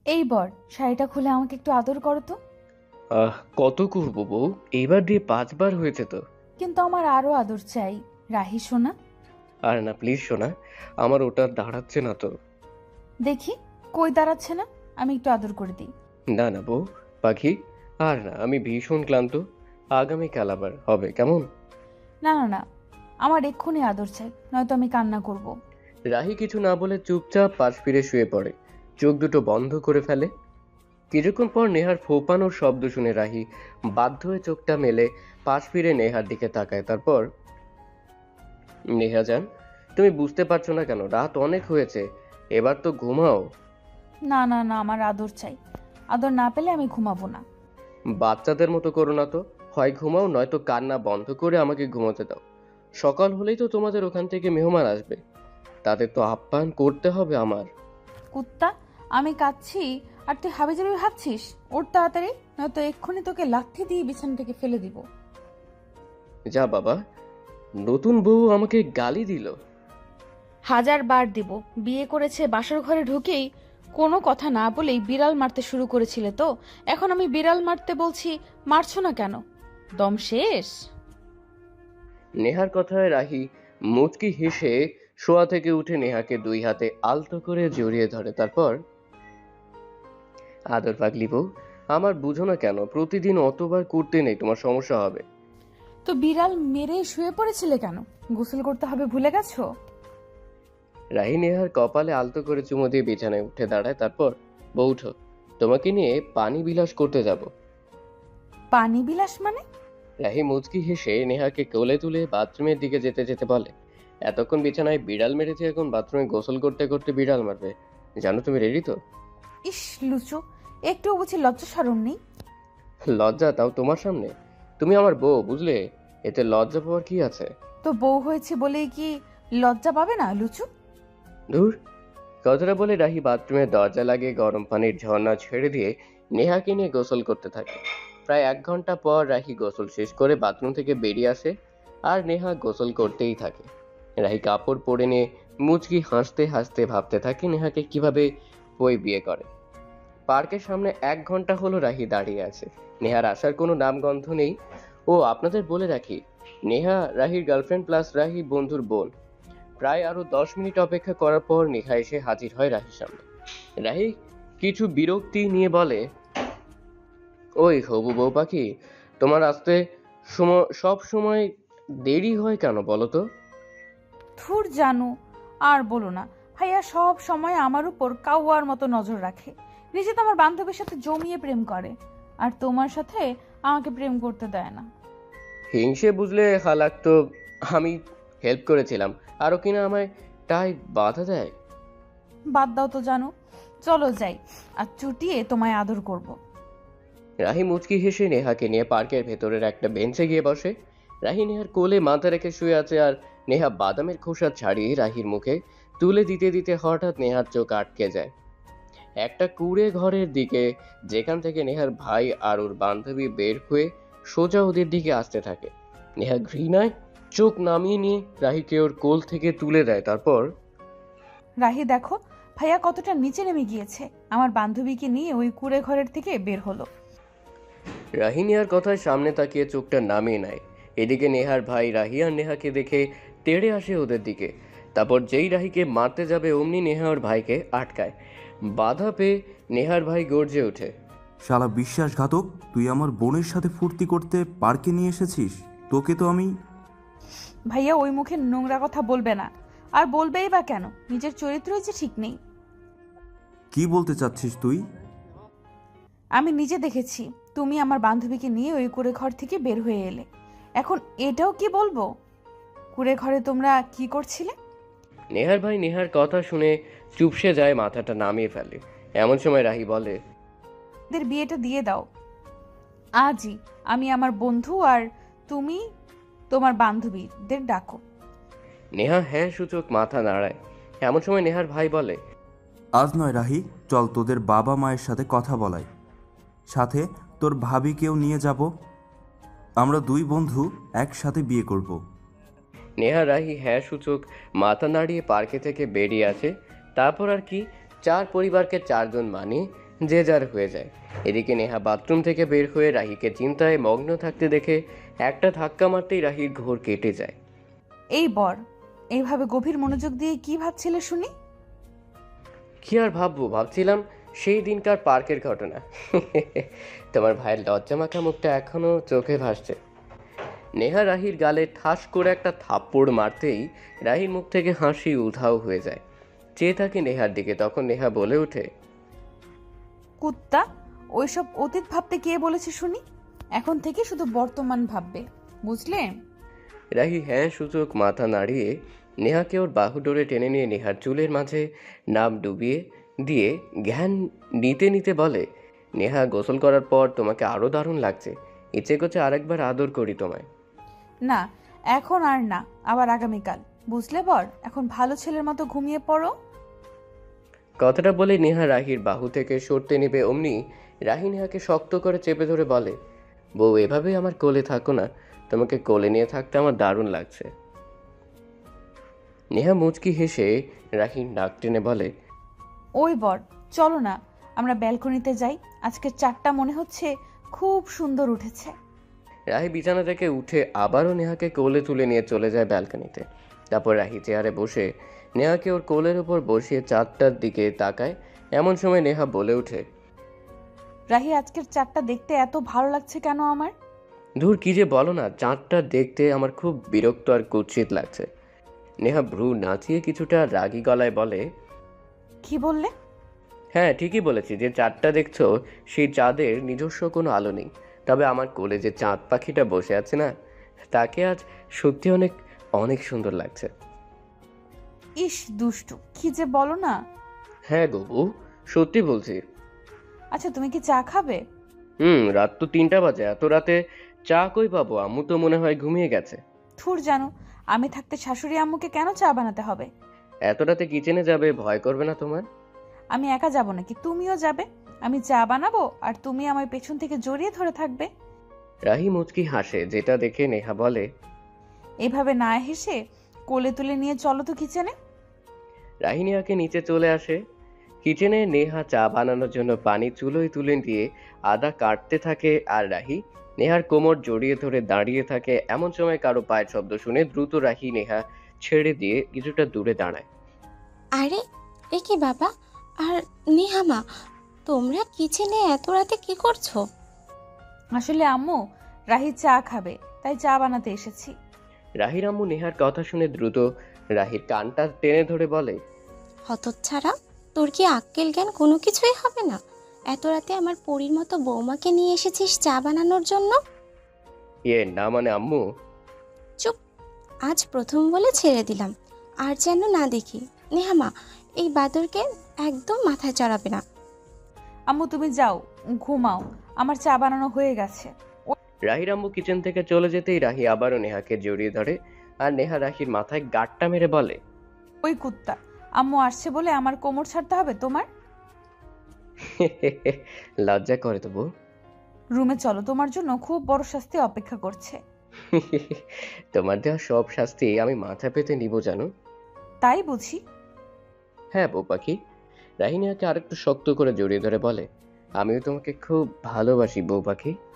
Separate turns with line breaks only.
এই বর, শাড়িটা খুলে আমাকে একটু আদর করো তো।
কত করবো বউ? এইবার দিয়ে 5 বার হয়েছে তো।
কিন্তু আমার আরো আদর চাই, রাহি সোনা।
আর না প্লিজ শোনা, আমার ওটা দাঁড়াচ্ছে না তো।
দেখি, কই দাঁড়াচ্ছে না, আমি একটু আদর করে দিই।
না না বউ পাখি, আর না, আমি ভীষণ ক্লান্ত। আগামীকাল আবার হবে কেমন?
না না না, আমার এক্ষুনি আদর চাই, নয়তো আমি কান্না করব।
রাহি কিছু না বলে চুপচাপ পাশ ফিরে শুয়ে পড়ে, চোখ দুটো বন্ধ করে ফেলে। কিছুক্ষণ পর নেহার ফোপানোর শব্দ শুনে রাহি বাধ্য হয়ে চোখটা মেলে পাশ ফিরে নেহার দিকে তাকায়। তারপর, নেহা যান, তুমি বুঝতে পারছো না কেন? রাত অনেক হয়েছে, এবার তো ঘুমাও।
না না না, আমার আদর চাই। আদর না পেলে আমি ঘুমাবো না।
বাচ্চাদের মতো করো না তো, হয় ঘুমাও নয়তো কান্না বন্ধ করে আমাকে ঘুমোতে দাও। সকাল হলেই তো তোমাদের ওখান থেকে মেহমান আসবে, তাদের তো আপ্যায়ন করতে হবে আমার।
কুত্তা, আমি কাঁদছি আর তুই হাবিজাবি ভাবছিস? ওর তাড়াতাড়ি, নয়তো এক্ষুনি তোকে লাথি দিয়ে বিছানা থেকে ফেলে দিব।
যা বাবা, নতুন বউ আমাকে গালি দিল।
1000 বার দিব। বিয়ে করেছে বাসর ঘরে ঢুকেই কোনো কথা না বলেই বিড়াল মারতে শুরু করেছিলে তো, এখন আমি বিড়াল মারতে বলছি, মারছো না কেন? দম শেষ?
নেহার কথায় রাহি মুচকি হেসে শোয়া থেকে উঠে নেহাকে 2 হাতে আলতো করে জড়িয়ে ধরে। তারপর, আদর পাগলি বউ, আমার বুঝো না কেন? প্রতিদিন অতবার করতে নেই, তোমার সমস্যা হবে।
তো বিড়াল মেরে শুয়ে পড়েছিলে কেন? গোসল করতে হবে ভুলে গেছো?
রাহি নেহার কপালে আলতো করে চুমু দিয়ে বিছানায় উঠে দাঁড়ায়। তারপর, বউ উঠো, তোমাকে নিয়ে পানি বিলাস করতে যাব।
পানি বিলাস মানে?
রাহি মুচকি হেসে নেহাকে কোলে তুলে বাথরুমের দিকে যেতে যেতে বলে, এতক্ষণ বিছানায় বিড়াল মেরেছে, এখন বাথরুমে গোসল করতে করতে বিড়াল মারবে। জানো তুমি রেডি তো?
ইস লুচু, একটু বুঝি লজ্জা শরম নেই?
লজ্জা, তাও তোমার সামনে? তুমি আমার বউ, বুঝলে? এতে লজ্জা পাওয়ার কি আছে?
তো বউ হয়েছে বলেই কি লজ্জা পাবে না লুচু?
ধুর। কথাটা বলে রাহি বাথরুমের দরজা লাগিয়ে গরম পানির ঝর্ণা ছেড়ে দিয়ে নেহাকে নিয়ে গোসল করতে থাকে। প্রায় 1 ঘন্টা পর রাহি গোসল শেষ করে বাথরুম থেকে বেরিয়ে আসে, আর নেহা গোসল করতেই থাকে। রাহি কাপড় পরে নিয়ে মুচকি হাসতে হাসতে ভাবতে থাকে নেহাকে কিভাবে বই বিয়ে করে। পার্কের সামনে 1 ঘন্টা হলো রাহি দাঁড়িয়ে আছে, নেহার আসার কোনো নামগন্ধ নেই। ও আপনাদের বলে রাখি, নেহা রাহির গার্লফ্রেন্ড প্লাস রাহি বন্ধুর বোন। প্রায় আরো 10 মিনিট অপেক্ষা করার পর নেহা এসে হাজির হয় রাহির সামনে। রাহি কিছু বিরক্তি নিয়ে বলে, ওই হবু বউ পাখি, তোমার আসতে সব সময় দেরি হয় কেন বলো তো?
থুর জানু, আর বলো না। ভাইয়া সব সময় আমার উপর কাউয়ার মতো নজর রাখে। নিজে তো আমার বান্ধবীর সাথে জমিয়ে প্রেম করে, আর তোমার সাথে আমাকে প্রেম করতে দেয় না।
হিংসে বুঝলে হালাক তো। আমি হেল্প করেছিলাম, আরো কিনা আমায় তাই বাধা দেয়।
বাদ দাও তো জানু, চলো যাই, আর চুটিয়ে তোমায় আদর করব।
রাহি মুচকি হেসে নেহাকে নিয়ে পার্কের ভেতরের একটা বেঞ্চে গিয়ে বসে। রাহি নেহার কোলে মাথা রেখে শুয়ে আছে, আর নেহা বাদামের খোসা ছাড়িয়ে রাহির মুখে তুলে দিতে দিতে হঠাৎ নেহার চোখ আটকে যায় একটা কুঁড়ে ঘরের দিকে, যেখান থেকে নেহার ভাই আর ওর বান্ধবী বের হয়ে সোজা ওদের দিকে আসতে থাকে। নেহা ঘৃণায় চোখ নামিয়ে নিয়ে রাহিকে ওর কোল থেকে তুলে দেয়। তারপর,
রাহি দেখো, ভাইয়া কতটা নিচে নেমে গিয়েছে, আমার বান্ধবীকে নিয়ে ওই কুঁড়ে ঘরের থেকে বের হলো।
রাহি নেহার কথায় সামনে তাকিয়ে চোখটা নামিয়ে নেয়। এদিকে নেহার ভাই রাহি আর নেহাকে দেখে তেড়ে আসে ওদের দিকে। তারপর যেই রাহিকে মারতে যাবে অমনি নেহা ওর ভাইকে আটকায়। বাধা পেয়ে নেহার ভাই গর্জে ওঠে,
শালা বিশ্বাসঘাতক, তুই আমার বোনের সাথে ফুর্তি করতে পার্কে নিয়ে এসেছিস? তোকে তো আমি...
ভাইয়া ওই মুখে নোংরা কথা বলবে না, আর বলবেই বা কেন? নিজের চরিত্রই যে ঠিক নেই।
কি বলতে চাচ্ছিস তুই?
আমি নিজে দেখেছি, তুমি আমার বান্ধবীকে নিয়ে ওই কুঁড়ে ঘর থেকে বের হয়ে এলে। এখন এটাও কি বলবো? কুঁড়ে ঘরে তোমরা কি করছিলে?
নেহার ভাই নেহার কথা শুনে চুপসে যায়, মাথাটা নামিয়ে ফেলে। এমন সময় রাহি বলে,
এদের বিয়েটা দিয়ে দাও আজই। আমি আমার বন্ধু আর তুমি তোমার বান্ধবীদের ডাকো।
নেহা হ্যাঁ সূচক মাথা নাড়ায়। এমন সময় নেহার ভাই বলে,
আজ নয় রাহি, চল তোদের বাবা মায়ের সাথে কথা বলাই, সাথে তোর ভাবিকেও নিয়ে যাব। আমরা দুই বন্ধু একসাথে বিয়ে করব।
নেহা রাহি হ্যাঁ সূচক মাথা নাড়িয়ে পার্কে থেকে বেরিয়ে আসে। তারপর আর কি, চার পরিবারকে চারজন মানিয়ে যে যার হয়ে যায়। এদিকে নেহা বাথরুম থেকে বের হয়ে রাহিকে চিন্তায় মগ্ন থাকতে দেখে একটা ধাক্কা মারতেই রাহির ঘোর কেটে যায়।
এই বর, এইভাবে গভীর মনোযোগ দিয়ে কি ভাবছিলে শুনি?
কি আর ভাববো, ভাবছিলাম সেই দিনকার পার্কের ঘটনা। তোমার ভাইয়ের লজ্জামাখা মুখটা এখনো চোখে ভাসছে। নেহা রাহির গালে ঠাস করে একটা থাপ্পড় মারতেই রাহির মুখ থেকে হাসি উধাও হয়ে যায়। চেয়ে থাকে নেহার দিকে। তখন নেহা বলে ওঠে,
কুত্তা, ওইসব অতীত ভাবতে কে বলেছে শুনি? এখন থেকে শুধু বর্তমান ভাববে, বুঝলে?
রাহি হ্যাঁ সূচক মাথা নাড়িয়ে নেহাকে ওর বাহু ডোরে টেনে নিয়ে নেহার চুলের মাঝে নাম ডুবিয়ে দিয়ে জ্ঞান নিতে নিতে বলে, নেহা গোসল করার পর তোমাকে আরও দারুণ লাগছে। ইচ্ছে করছে আরেকবার আদর করি তোমায়।
না, এখন আর না, আবার আগামীকাল, বুঝলে বর? এখন ভালো ছেলের মতো ঘুমিয়ে পড়ো।
কথাটা বলে নেহা রাহির বাহু থেকে সরতে নেবে অমনি রাহি নেহাকে শক্ত করে চেপে ধরে বলে, বউ এভাবে আমার কোলে থাকো না, তোমাকে কোলে নিয়ে থাকতে আমার দারুণ লাগছে। নেহা মুচকি হেসে রাহির নাক টেনে বলে,
ওই বর, চলো না আমরা ব্যালকনিতে যাই, আজকের চারটা মনে হচ্ছে খুব সুন্দর উঠেছে।
রাহি বিছানা থেকে উঠে আবারও নেহাকে কোলে তুলে নিয়ে চলে যায় ব্যালকনিতে। তারপর রাহি চেয়ারে বসে নেহাকে ওর কোলের উপর বসিয়ে চাঁদটার দিকে তাকায়। এমন সময় নেহা বলে ওঠে,
রাহি, আজকের চারটা দেখতে এত ভালো লাগছে কেন আমার?
ধুর কি যে বলো না, চাঁদটা দেখতে আমার খুব বিরক্ত আর কুৎসিত লাগছে। নেহা ভ্রু নাচিয়ে কিছুটা রাগী গলায় বলে,
কি বললে?
হ্যাঁ ঠিকই বলেছি, যে চাঁদটা দেখছো সেই চাঁদের নিজস্ব কোনো আলো নেই। তবে আমার কোলে যে চাঁদ পাখিটা বসে আছে না, তাকে আজ সত্যি অনেক অনেক সুন্দর লাগছে।
ইস দুষ্টু, কি যে বলো না।
হ্যাঁ গবু, সত্যি বলছি।
আচ্ছা, তুমি কি চা খাবে?
রাত তো 3টা বাজে, এত রাতে চা কই পাবো? আম্মু তো মনে হয় ঘুমিয়ে গেছে।
থুর জানো, আমি থাকতে শাশুড়ি আম্মুকে কেন চা বানাতে হবে?
এত রাতে কিচেনে যাবে, ভয় করবে না তোমার?
আমি একা যাব নাকি? তুমিও যাবে। আমি চা বানাবো আর তুমি আমার পেছন থেকে জড়িয়ে ধরে থাকবে।
রাহি মুচকি হাসে, যেটা দেখে নেহা বলে,
এভাবে না হেসে কোলে তুলে নিয়ে চলো তো কিচেনে।
রাহি নেহাকে নিচে চলে আসে। কিচেনে নেহা চা বানানোর জন্য পানি চুলোয় তুলে দিয়ে আদা কাটতে থাকে, আর রাহি নেহার কোমর জড়িয়ে ধরে দাঁড়িয়ে থাকে। এমন সময় কারো পায়ের শব্দ শুনে দ্রুত রাহি নেহা ছেড়ে দিয়ে কিছুটা দূরে দাঁড়ায়।
আরে, এ কি বাবা আর নিহামা, তোমরা কিচেনে এত রাতে কি করছো?
আসলে আম্মু, রাহি চা খাবে, তাই চা বানাতে এসেছি।
রাহির আম্মু নেহার কথা শুনে দ্রুত রাহির কানটা টেনে ধরে বলে,
হতচ্ছাড়া, তোর কি আক্কেল জ্ঞান কোনো কিছুই হবে না? এত রাতে আমার পরীর মতো বৌমাকে নিয়ে এসেছিস চা বানানোর জন্য?
না মানে আম্মু।
চুপ, আজ প্রথম বলে ছেড়ে দিলাম, আর যেন না দেখি। নেহামা, এই বাদরকে একদম মাথায় চড়াবে না।
আম্মু তুমি যাও, ঘুমাও, আমার চা বানানো হয়ে গেছে।
রাহির আম্মু কিচেন থেকে চলে যেতেই রাহি আবারও নেহাকে জড়িয়ে ধরে, আর নেহা রাহির মাথায় গাঁটটা মেরে বলে,
ওই কুত্তা, আম্মু আসছে বলে আমার কোমর ছাড়তে হবে তোমার?
লজ্জা করে তো বউ।
রুমে চলো, তোমার জন্য খুব বড় শাস্তি অপেক্ষা করছে।
তোমার দেওয়া সব শাস্তি আমি মাথা পেতে নিব জানো।
তাই বুঝি?
হ্যাঁ বউ পাখি। রাহি নেহাকে আরেকটু শক্ত করে জড়িয়ে ধরে বলে, আমিও তোমাকে খুব ভালোবাসি বউ পাখি।